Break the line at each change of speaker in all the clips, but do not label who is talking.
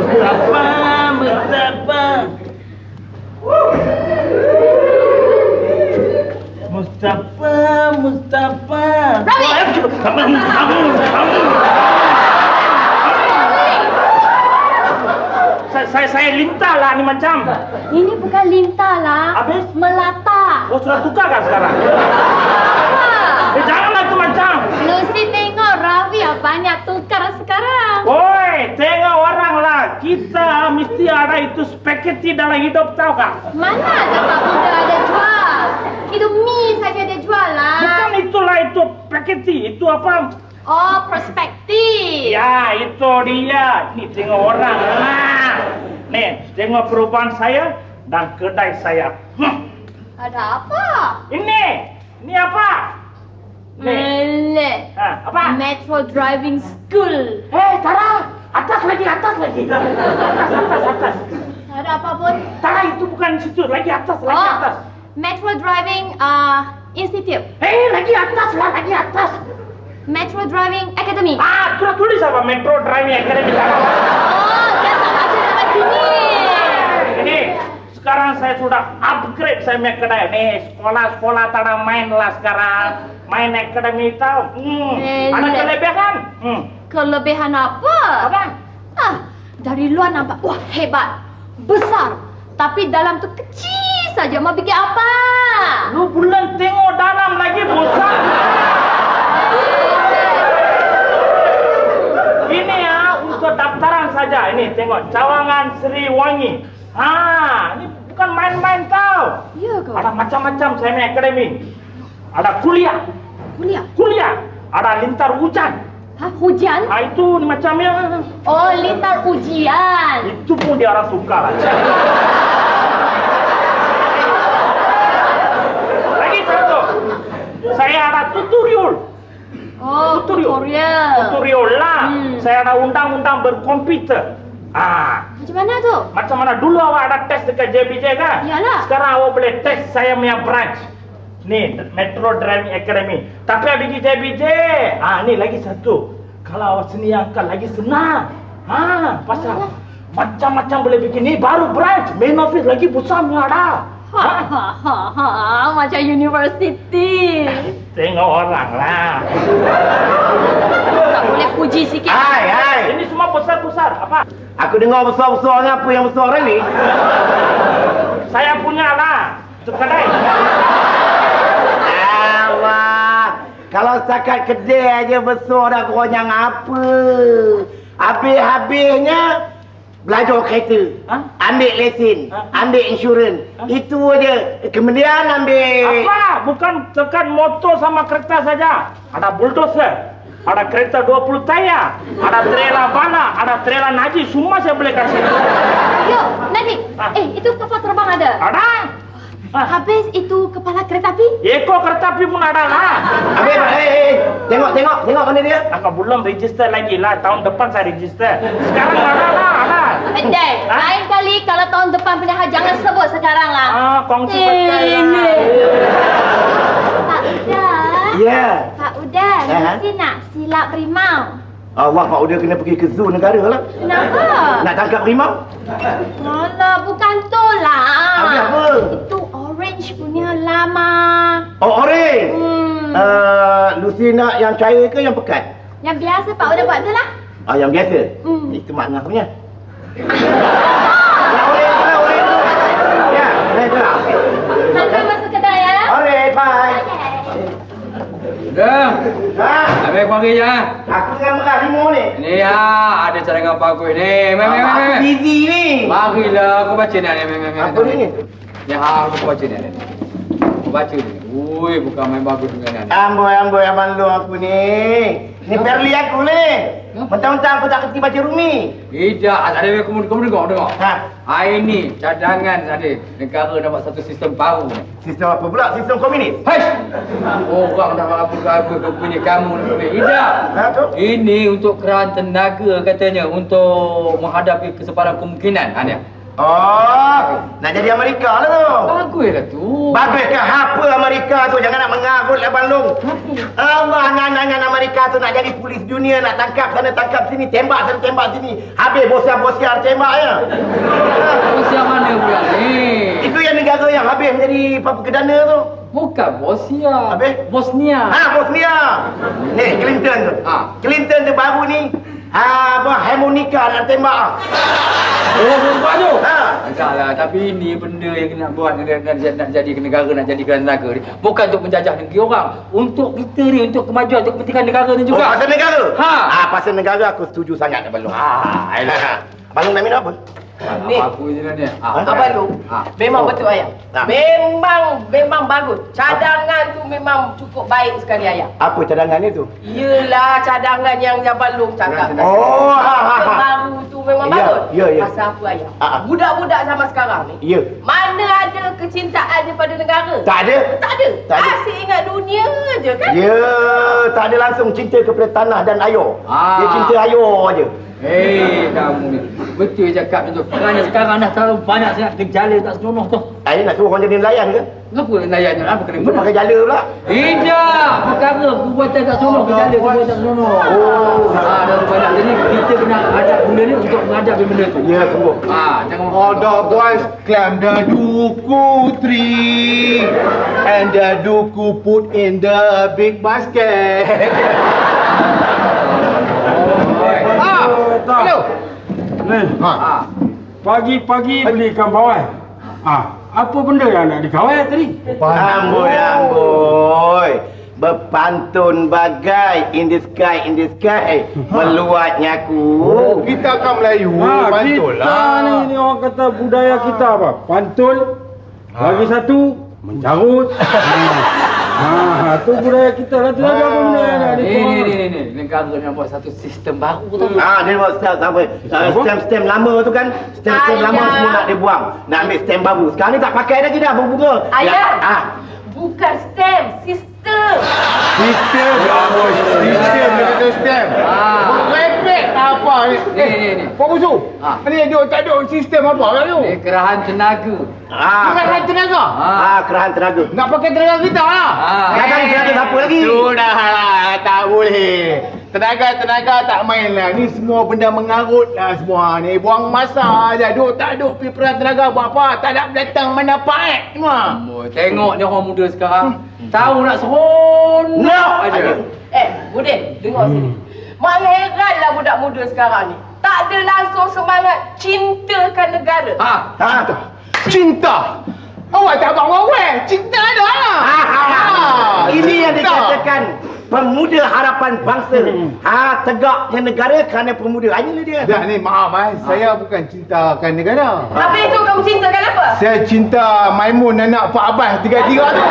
Mustafa, Mustafa. Mustafa, Mustafa. Saya lintah lah ni macam.
Ini bukan lintah lah.
Habis?
Melata.
Oh, sudah tukar kan sekarang? Janganlah tu macam.
Lucy tengok Ravi banyak tukar sekarang.
Woi, tengok orang lah. Kita mesti ada itu spaghetti dalam hidup, tahu kah?
Mana ada Pak Buddha ada jual? Itu mie saja dia jual lah.
Bukan itulah itu spaghetti. Itu apa?
Oh, perspektif.
Ya, itu dia. Ni tengok orang lah. Nih, tengok perubahan saya dan kedai saya.
Ada apa?
Ini apa?
Melek.
Apa?
Metro Driving School.
Tara, atas lagi. Atas.
Ada apa pun?
Tara, itu bukan situ, lagi atas, lagi atas.
Metro Driving Institute.
Lagi atas lah, lagi atas.
Metro Driving Academy.
Sudah tulis apa Metro Driving Academy?
Oh, dia tak baca dekat sini.
Ini sekarang saya sudah upgrade saya punya kedai. Nih, sekolah-sekolah tak ada main lah sekarang. Main akademi tahu. Ada kelebihan.
Kelebihan apa?
Apa?
Dari luar nampak, wah hebat, besar. Tapi dalam tu kecil saja. Mau bikin apa?
Lu bulan tengok dalam lagi besar. Ini ya untuk daftaran saja. Ini tengok Cawangan Sriwangi. Ini bukan main-main tau.
Ya ke?
Ada macam-macam saya punya akademi. Ada kuliah. Ada lintar hujan.
Hujan?
Itu macamnya.
Oh, lintar ujian.
Itu pun dia orang suka lah. Lagi satu. Saya ada tutorial.
Oh, tutorial
lah. Saya ada undang-undang berkomputer.
Macam mana tu?
Macam mana dulu awak ada tes dekat JBJ kan?
Iyalah.
Sekarang awak boleh tes saya punya branch. Ni Metro Driving Academy. Tapi ada di JBJ. Ni lagi satu. Kalau awak seni angkat lagi senang. Pasal macam-macam boleh bikin. Ni baru branch. Main office lagi besarnya ada.
Macam university.
Tengok orang lah.
Tak boleh puji sikit.
Hai.
Ini semua besar-besar. Apa?
Aku dengar besar-besar ni, apa yang besar ni?
Saya punya lah. Itu kedai.
Allah. Kalau setakat kedai aja besar dah korang apa? Habis-habisnya belajar kereta. Ambil lesen. Ambil insurans. Itu aja. Kemudian ambil...
Apa? Bukan tekan motor sama kereta saja. Ada bulldozer. Ada kereta 20 tayar. Ada trailer bala. Ada trailer naji. Semua saya boleh kasih.
Yo, Nadik. Itu kapal terbang ada?
Ada.
Habis itu kepala kereta api?
Ekor kereta api pun ada lah.
Habis, tengok mana dia?
Aku belum register lagi lah. Tahun depan saya register. Sekarang ada lah.
Dek, lain kali kalau tahun depan pindah jangan sebut sekarang lah.
Kongsi percaya.
Pak Uda.
Ya.
Pak Uda, mesti nak silap rimau.
Allah, Pak Uda kena pergi ke zoo negara lah.
Kenapa?
Nak tangkap rimau?
Alah, bukan tu lah.
Habis apa?
Itu orange punya lama.
Oh, orange? Lucy nak yang cair ke yang pekat?
Yang biasa Pak Uda buat tu lah.
Yang biasa? Itu makna punya. Yang orange tu lah, orange tu. Ya, orange tu lah.
Hantar masuk kedai ya.
Orange, bye.
Dah. Habis kau pergi je.
Aku tengah merah rimau ni.
Ni ada cadangan bagus ni.
Aku busy ni.
Marilah aku baca ni.
Apa ni?
Ya, aku baca ni. Aku baca ni. Ui, bukan main bagus dengan ni.
Amboi, abang lu aku ni. Ni perli aku ni. Mentang-mentang aku tak kerti baca Rumi.
Tidak, ada kamu dengar. Hari ni cadangan ada negara dapat satu sistem baru ni.
Sistem apa pula? Sistem komunis?
Hei! Orang dah apa punya kamu ni. Tidak.
Tu?
Ini untuk kerana tenaga katanya untuk menghadapi kesepadan kemungkinan. Dia.
Oh, nak jadi Amerika lah tu.
Baguslah tu.
Bagus ke apa Amerika tu? Jangan nak mengarut lah Abang Long. Allah, anak-anak Amerika tu nak jadi polis dunia, nak tangkap sana, tangkap sini, tembak sana, tembak sini. Habis bosiar-bosiar tembak ya.
Bosnia mana pula ni?
Itu yang negara yang habis menjadi perdana tu.
Bukan Bosnia.
Habis?
Bosnia.
Bosnia. Ni, Clinton tu. Clinton tu baru ni. Harmonika nak tembak.
Oh, nampak tu?
Ha.
Taklah, tapi ini benda yang nak buat nak jadi negara, nak jadikan negara ni. Bukan untuk menjajah negeri orang. Untuk kita ni, untuk kemajuan, untuk kepentingan negara ni juga.
Pasal negara?
Ha.
Pasal negara aku setuju sangat Abang Long. Abang Long nak minum apa?
Ni.
Apa je ni?
Abang Long, memang betul ayah. Memang bagus. Cadangan tu memang cukup baik sekali ayah.
Apa cadangan itu?
Yelah cadangan yang Abang Long cakap.
Oh,
Baru tu memang
Ya,
bagus.
ya, ya.
Pasal apa ayah?
Ah.
Budak-budak zaman sekarang ni.
Ya.
Mana ada kecintaan daripada negara?
Tak ada.
Tak ada.
Tak ada.
Asyik ingat dunia je kan?
Ya, tak ada langsung cinta kepada tanah dan air. Dia cinta air je.
Kamu ni. Betul cakap tu. Kerana sekarang dah terlalu banyak sangat gejala tak senonoh tu.
Air nak suruh orang jadi nelayan ke?
Kenapa nelayannya? Apa kena
Dia pakai jala pula.
Tidak! Perkara perbuatan tak senonoh, gejala perbuatan tak senonoh. Dah banyak. Jadi kita kena adap benda ni untuk menghadapi benda tu.
Ya, sungguh.
Jangan
All the boys climb the duku tree and the duku put in the big basket.
Hello. Ni. Pagi-pagi beli ikan bawal. Apa benda yang nak dikawal tadi?
Amboi. Berpantun bagai in the sky, meluatnya aku.
Kita akan Melayu,
Kita
pantun lah.
ni orang kata budaya kita apa? Pantun. Lagi satu mencarut. Tu budaya kita lah. Tidak ada apa benda yang nak dikawal.
Ni. Negara nak buat satu sistem baru tu.
Dia buat stem lama tu kan. Stem lama semua nak dibuang. Nak ambil stem baru. Sekarang ni tak pakai lagi dah berbunga.
Ayah. Bukan stem, sistem.
Sistem, sistem. Repek tak apa ni.
Ni.
Pak Busu, ni dia tak ada sistem apa kan tu?
Ni kerahan tenaga.
Kerahan tenaga.
Kerahan tenaga.
Nak pakai tenaga kita lah.
Kadang tenaga siapa lagi?
Sudahlah, tak boleh. Tenaga tak main lah. Ni semua benda mengarut lah semua ni. Buang masa aja. Tak duk pergi perang tenaga buat apa. Tak nak datang manfaat semua.
Tengok ni orang muda sekarang. Tahu nak seronok aja.
Budin, dengar sini. Mengheranlah budak muda sekarang ni. Tak ada langsung semangat cintakan negara.
Cinta. Awak tak abang-awal. Cinta ada lah.
Ini yang dikatakan pemuda harapan bangsa. Tegaknya negara kerana pemuda. Inilah dia.
Dah ni maaf saya bukan cintakan negara.
Habis tu kamu cintakan apa?
Saya cinta Maimun anak Pak Abbas tiga-tiga tu.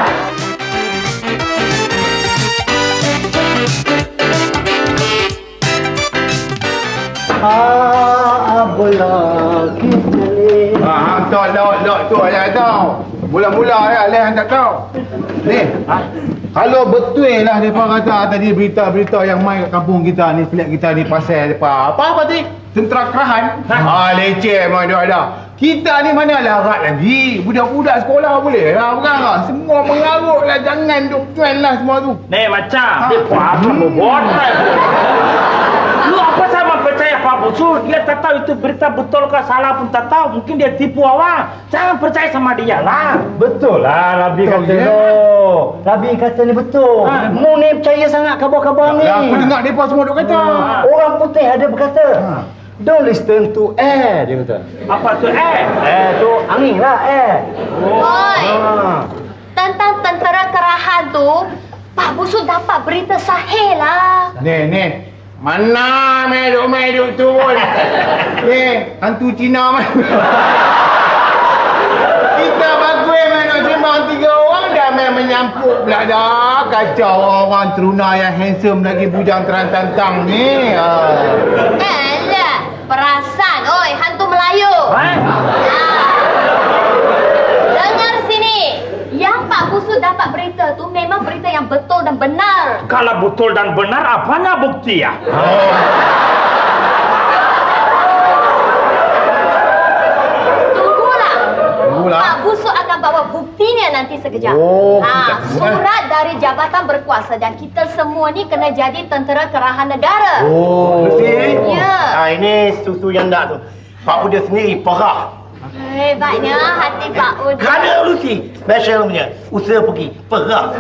Bola kita ni.
Tak tu ayah tahu. Mula-mula ayah tak tahu. Ni. Kalau betul lah mereka kata tadi berita-berita yang main kat kampung kita ni, flat kita ni pasal depa. Apa tadi? Tentera Kerahan. Leceh memang dia ada. Kita ni mana larat lagi. Budak-budak sekolah boleh lah bukan lah. Semua mengarut lah. Jangan duk trend lah semua tu.
Ni macam dia apa buat. Lu apa sama percaya Pak Busu? Dia tak tahu itu berita betul ke salah pun tak tahu. Mungkin dia tipu awak. Jangan percaya sama dia lah.
Betul lah Nabi kata
ya?
Nabi kata ni betul. Mu ni percaya sangat khabar-khabar ni.
Aku dengar mereka semua duk kata.
Orang putih ada berkata, don't listen to air, dia kata.
Apa tu
Air tu angin lah, air.
Oi. Tentang tentera Kerahan tu, Pak Busu dapat berita sahih lah.
Ni. Mana meduk-meduk turun. Ni, hantu Cina mana. Kita bagus mana sembang 3 orang dah main menyampuk pula dah. Kacau orang teruna yang handsome lagi bujang terantang-tang ni.
Alah, perasan, oi, hantu Melayu. Dengar sini. Yang Pak Busu dapat berita tu memang berita yang betul dan benar.
Kalau betul dan benar, apanya bukti ya?
buktinya nanti sekejap.
Oh,
surat dari jabatan berkuasa dan kita semua ni kena jadi tentera kerahan negara.
Lucy?
Ya.
Ini susu yang nak tu. Pak Uda sendiri perah.
Hebatnya hati Pak Uda.
Kerana Lucy, special punya. Usaha pergi, perah.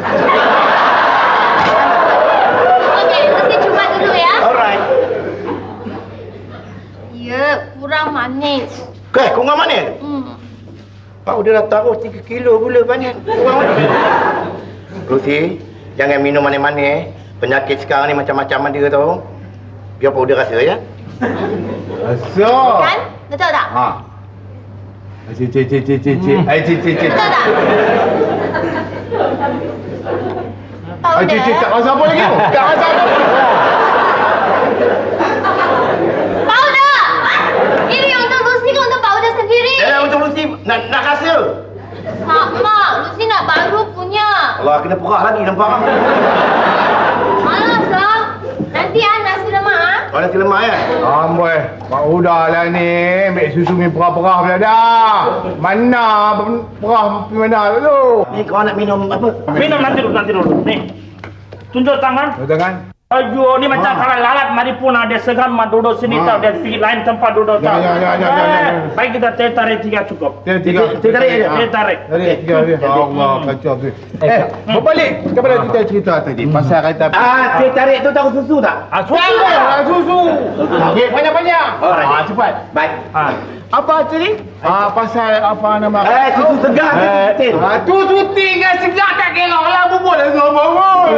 Okey, Lucy cuba dulu ya.
Alright.
Ya, kurang manis.
Kau mana? Pak Uda dah taruh 3 kilo gula banyak. Kurang mana? Lucy, jangan minum manis-manis. Penyakit sekarang ni macam-macam ada tau. Biar Pak Uda rasa ya.
Rasa.
Kan? Betul tak?
Ha. Cik. Ai cik.
Betul tak? Pak
Ai
Uda.
cik tak rasa apa lagi tu? Tak rasa apa.
Pak Uda! Ini untuk Lucy ke untuk Pak Uda sendiri?
Untuk Lucy nak rasa.
Mak, Lucy nak baru punya.
Allah, kena perah lagi nampak.
Malas lah. Nanti nasi lemak.
Kau nasi lemak ya?
Amboi, Pak Uda lah ni. Ambil susu ni perah-perah pula dah. Mana perah pergi mana dulu?
Ni kau nak minum apa?
Minum nanti dulu. Nih. Tunjuk tangan.
Betul kan?
Aduh, ni macam kalau lalat maripuna dia segan duduk sini tau, dia pergi lain tempat duduk tau.
Ya.
Baik kita teh tarik 3 cukup.
Tiga.
tarik aja.
Teh tarik.
Tiga. Allah, kacau tu. Berbalik kepada kita cerita tadi. Pasal kata...
Teh tarik tu tahu susu tak?
Susu. Okey, banyak-banyak. Cepat.
Baik.
Apa tadi? Pasal apa nama?
Susu segar ke tin?
Tu suti dengan segar tak kira lah bubur lah semua.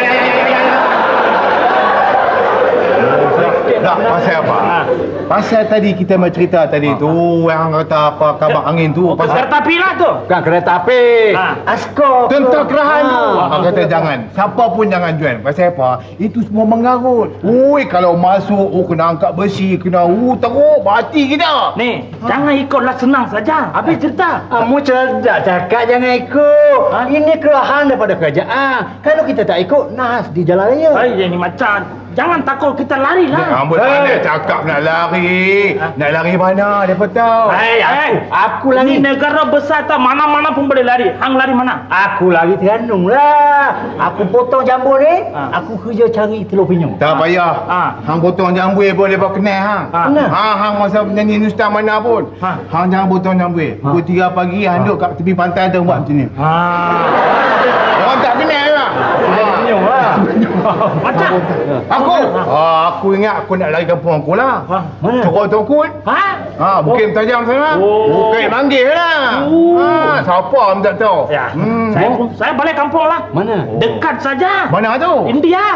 Tak, pasal apa? Pasal tadi kita bercerita tadi tu yang kata apa kabar angin tu pasal
Kereta api lah tu.
Bukan kereta api. Askar.
tentang kerahan tu. Kata jangan. Siapa pun jangan join. Pasal apa? Itu semua mengarut. Ui, kalau masuk kena angkat besi, kena teruk mati kita.
Nih, jangan ikutlah senang saja. Habis cerita.
Kamu cerdak cakap jangan ikut. Ini kerahan daripada kerajaan. Kalau kita tak ikut, nas di jalan raya.
Ini macam jangan takut, kita lari lah.
Ambul ada cakap nak lari. Nak lari mana? Dia tahu.
Aku
Ini
lari.
negara besar tak, mana-mana pun boleh lari. Hang lari mana?
Aku lari Terengganu lah. Aku potong jambu ni, aku kerja cari telur penyu.
Tak payah. Hang potong jambu boleh bawa kenal hang. Hang masa penyanyi Nustan mana pun. Hang jangan potong jambu. Pukul 3 pagi hang duduk kat tepi pantai tu buat macam ni. Orang tak kenal lah.
Macam?
Aku ingat aku nak lari kampung aku lah.
Mana?
Cokok tokut. Bukit tajam sana. Bukit manggil lah. Siapa pun tak tahu.
Ya. Saya balik kampung lah.
Mana?
Dekat saja.
Mana tu?
India.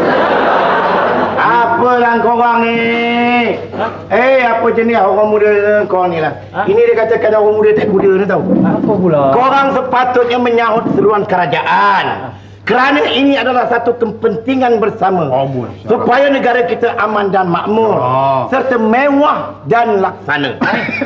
Apalah korang ni? Apa jenis orang muda kau ni lah? Ini dia katakan orang muda tak kuda ni tau.
Apa pula?
Korang sepatutnya menyahut seruan kerajaan. Kerana ini adalah satu kepentingan bersama. Supaya negara kita aman dan makmur. Serta mewah dan laksana.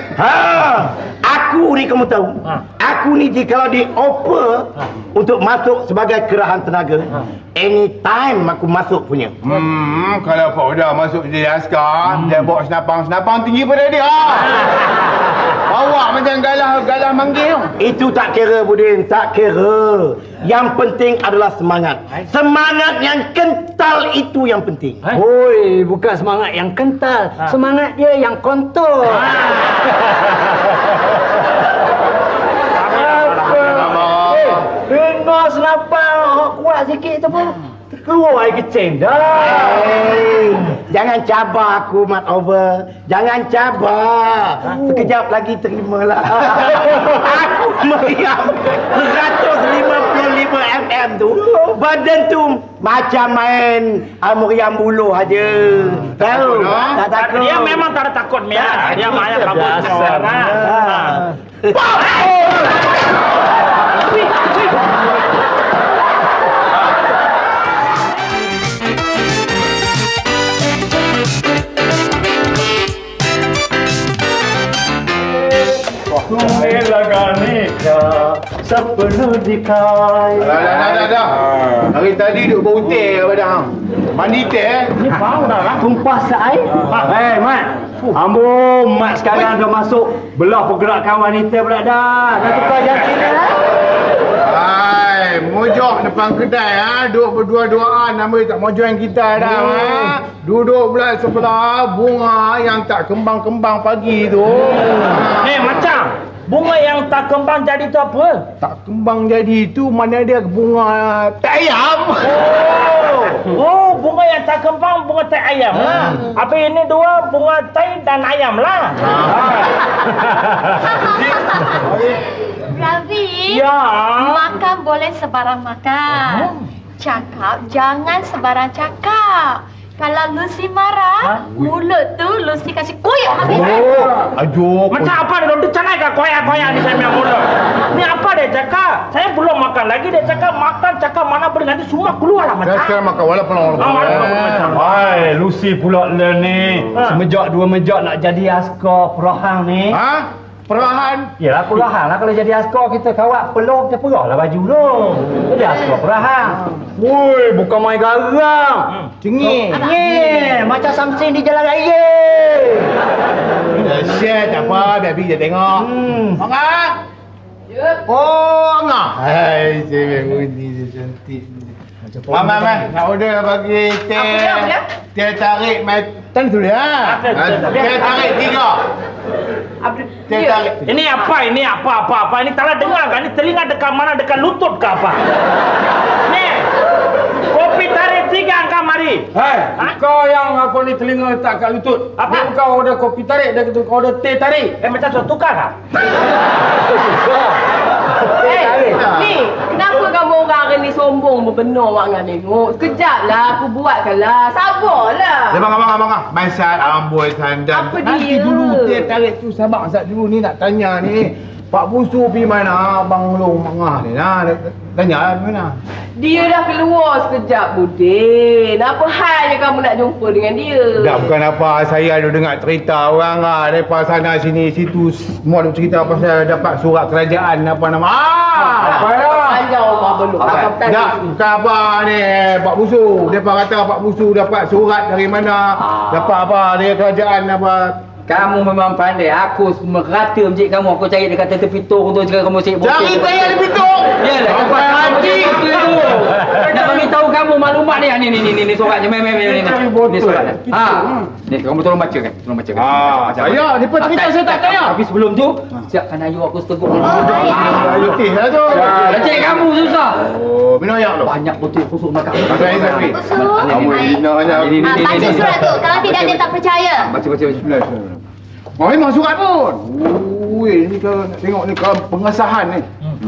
Aku ni kamu tahu. Aku ni jikalau dioper untuk masuk sebagai kerahan tenaga, anytime aku masuk punya.
Kalau Pak Uda masuk jadi askar, dia bawa senapang tinggi pada dia. Awak macam galah manggil.
Itu tak kira Budin, tak kira. Yang penting adalah semangat. Semangat yang kental itu yang penting.
Oi, bukan semangat yang kental, semangat dia yang kontol. Dengar senapang kuat sikit tu pun keluar air kecing dah.
Jangan cabar aku, Mat Over. Jangan cabar. Sekejap lagi terimalah. Aku meriam 155 mm tu. Badan tu macam main meriam buluh aja. Tahu? Tak takut.
Dia memang tak ada takut, Mia. Dia banyak kabut.
Sepenuh dikai.
Dah. Hari tadi duk berhutang kepada hang. Mandi teh.
Ni bau dah lah.
Tumpah seair. Mat. Mat sekarang dah masuk belah pergerakan wanita pula dah. Dah tukar jantin dah.
Hai, mojok depan kedai duduk berdua-duaan nama tak mau join kita dah Duduk pula sebelah bunga yang tak kembang-kembang pagi tu.
Macam bunga yang tak kembang jadi tu apa?
Tak kembang jadi tu mana dia bunga tak ayam.
Oh, bunga yang tak kembang bunga tai ayam lah. Habis ini dua bunga tai dan ayam lah.
Ravi,
Ya.
makan boleh sebarang makan. Cakap jangan sebarang cakap. Kalau Lucy marah, mulut tu Lucy kasih koyak habis.
Aduh.
Macam apa dia? Dia canai ke koyak-koyak ni saya punya mulut. Ni apa dia cakap? Saya belum makan lagi. Dia cakap makan, cakap mana boleh. Nanti semua keluar lah macam.
Sekarang makan walaupun
macam.
Hai, Lucy pula ni. Semejak dua mejak nak jadi askar perahang ni.
Perahan.
Yalah perahang lah kalau jadi askar kita kawat peluh kita perah lah baju tu. Jadi askar perahang. Woi, bukan main garang. Cengih. Macam Samson di jalan raya.
Dahsyat tak apa, biar pergi dia tengok. Angah.
Ya.
Oh, Angah. Hai, saya bunyi dia cantik. Mama, nak order bagi teh.
Apa dia?
Teh tarik tan tu dia. Teh tarik 3. Teh tarik.
Ini apa? Ini apa? Ini tak nak dengar kan? Ini telinga dekat mana? Dekat lutut ke apa? Ni, kopi tarik 3 angka mari.
Hai, kau yang aku ni telinga tak kat lutut.
Apa?
Kau order kopi tarik, dia kata kau order teh tarik.
Macam tu tukar tak?
Ni, kenapa kamu orang hari ni sombong berbenar mak dengan tengok? Sekejap lah, aku buatkanlah. Sabarlah.
Abang. Masal amboi sandan.
Apa
Nanti
dia?
dulu teh tarik tu sabar sat dulu ni nak tanya ni. Pak Busu pergi mana? Abang Long Mangah ni nah. Tanya di mana?
Dia dah keluar sekejap, Budin. Apa halnya kamu nak jumpa dengan dia?
Tak bukan apa, saya ada dengar cerita orang daripada sana sini situ semua ada cerita pasal dapat surat kerajaan apa nama.
Apa ya? Panjang rumah belum.
Tak, bukan apa ni Pak Busu. Depa kata Pak Busu dapat surat dari mana? Dapat apa dari kerajaan apa?
Kamu memang pandai. Aku merata encik kamu. Aku cari dekat tepi tung tu cakap kamu cik botol.
Cari saya di pitung.
Yalah,
Sampai haji.
Nak bagi tahu kamu maklumat ni. Ni suratnya. Ni suratnya. Ni kamu tolong baca kan?
Saya depa cerita saya tak tanya.
Tapi sebelum tu, siapkan ayu aku seteguk.
Letih lah tu.
Encik kamu susah.
Oh, minum air lu.
Banyak betul kusuk makan.
Saya tapi. Kamu hina aja.
Baca surat tu. Kalau tidak dia tak percaya.
Baca.
Oh, memang surat pun. Ui, ni kau nak tengok ni kau pengesahan ni.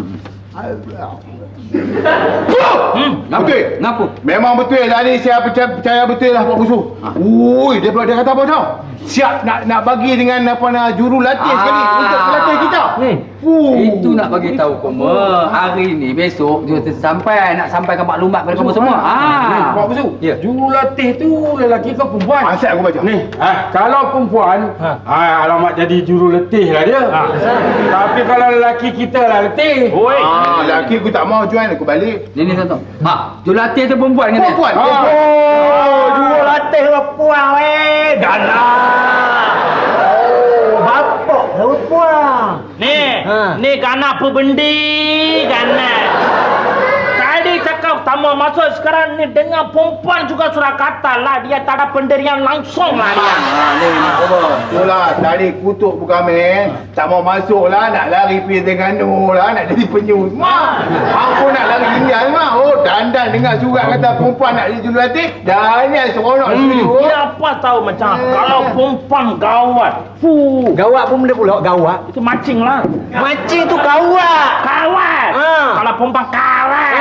Betul?
Kenapa?
Memang betul lah ni, saya percaya betul lah Pak Busu. Ui, dia kata apa tau? Siap nak bagi dengan apa nak jurulatih sekali untuk pelatih kita.
Itu nak bagi tahu kamu. Hari ni besok dia nak sampaikan maklumat kepada kamu semua.
Pak Busu.
Ya.
Jurulatih tu lelaki ke perempuan?
Asal aku baca.
Ni, kalau perempuan, alamak jadi juruletih lah dia. Tapi kalau lelaki kita lah letih.
Oi.
Lelaki aku tak mau join, aku balik.
Ni tuan. Jurulatih tu perempuan kan?
Perempuan.
Oh, jurulatih perempuan weh. Galah. Oh, bapak perempuan.
Ni ganak apa bendi? Ganak. Tadi cakap tamu masuk sekarang ni dengan perempuan juga sudah kata lah dia tak ada pendirian langsung lah dia.
Itulah, tadi kutuk pun kami tak mau masuk lah, nak lari pergi Terengganu lah, nak jadi penyu semua. Aku nak lari India semua. Oh, dandan dengar surat kata perempuan nak jadi jurulatih, dan ni seronok setuju.
Dia apa tahu macam kalau perempuan gawat.
Gawat pun benda pula gawat.
Itu macing lah.
Macam tu kawat.
Kawat. Kalau perempuan kawat.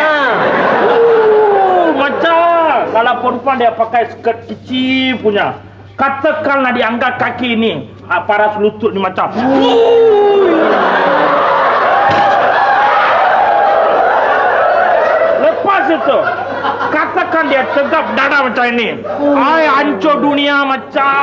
Macam kalau perempuan dia pakai skirt kecil punya. Katakanlah diangkat kaki ni, paras lutut ni macam. Lepas itu, katakan dia tegap dada macam ini. Ai hancur dunia macam.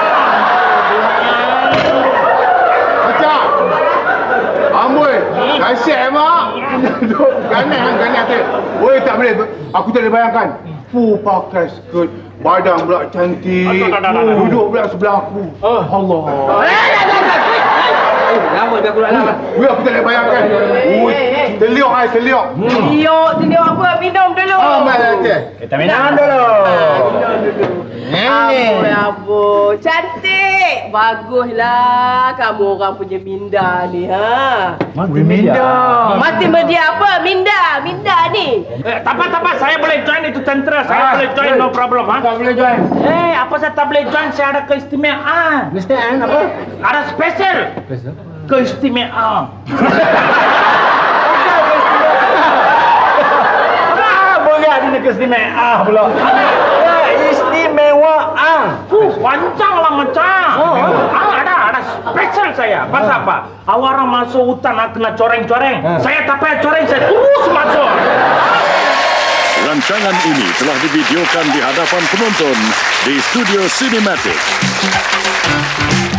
Macam amboi, kasihan mak. Ganas tu. Oi, tak boleh. Aku tak boleh bayangkan. Pakai skirt, badan pula cantik. Duduk pula sebelah aku. Allah.
Lama biar aku nak.
Wih, aku tak boleh bayangkan. Ui, teliuk ai, teliuk.
Teliuk apa? Minum dulu.
Mai okey.
Kita minum dulu.
Abu, cantik. Baguslah kamu orang punya minda ni, ha.
Mati minda.
Mati media apa? Minda ni.
Tak apa, saya boleh join itu tentera. Saya boleh join, no problem, ha?
Tak boleh join.
Apa saya tak boleh join? Saya ada keistimewaan.
Mesti apa?
Ada spesial. Keistimewaan.
Berat ini keistimewaan pula. Istimewaan.
Panjang lah macam. Ada spesial saya. Pasal apa? Orang masuk hutan kena coreng-coreng. Saya tak payah coreng, saya terus masuk.
Rancangan ini telah divideokan di hadapan penonton di Studio Cinematic.